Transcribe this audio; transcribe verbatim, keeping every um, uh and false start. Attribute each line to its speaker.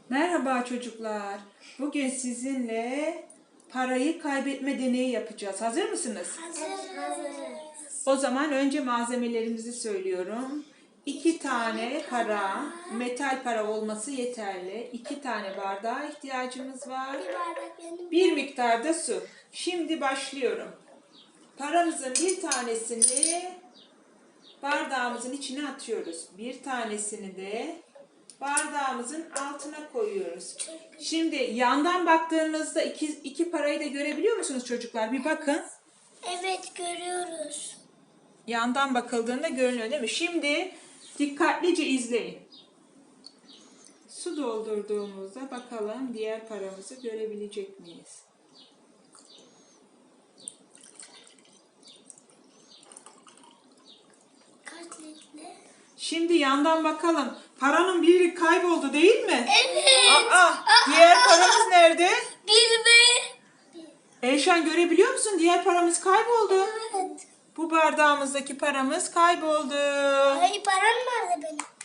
Speaker 1: Merhaba çocuklar. Bugün sizinle parayı kaybetme deneyi yapacağız. Hazır mısınız?
Speaker 2: Hazırız.
Speaker 1: O zaman önce malzemelerimizi söylüyorum. İki tane para, metal para olması yeterli. İki tane bardağa ihtiyacımız var.
Speaker 2: Bir bardak benim.
Speaker 1: Bir miktar da su. Şimdi başlıyorum. Paramızın bir tanesini bardağımızın içine atıyoruz. Bir tanesini de bardağımızın altına koyuyoruz. Şimdi yandan baktığınızda iki, iki parayı da görebiliyor musunuz çocuklar? Bir bakın.
Speaker 2: Evet, görüyoruz.
Speaker 1: Yandan bakıldığında görünüyor değil mi? Şimdi dikkatlice izleyin. Su doldurduğumuzda bakalım diğer paramızı görebilecek miyiz?
Speaker 2: Kaç litre?
Speaker 1: Şimdi yandan bakalım. Paranın biri kayboldu değil mi?
Speaker 2: Evet.
Speaker 1: Aa, diğer paramız nerede?
Speaker 2: Bir mi?
Speaker 1: Eyşan görebiliyor musun? Diğer paramız kayboldu.
Speaker 2: Evet.
Speaker 1: Bu bardağımızdaki paramız kayboldu.
Speaker 2: Ay, param nerede benim?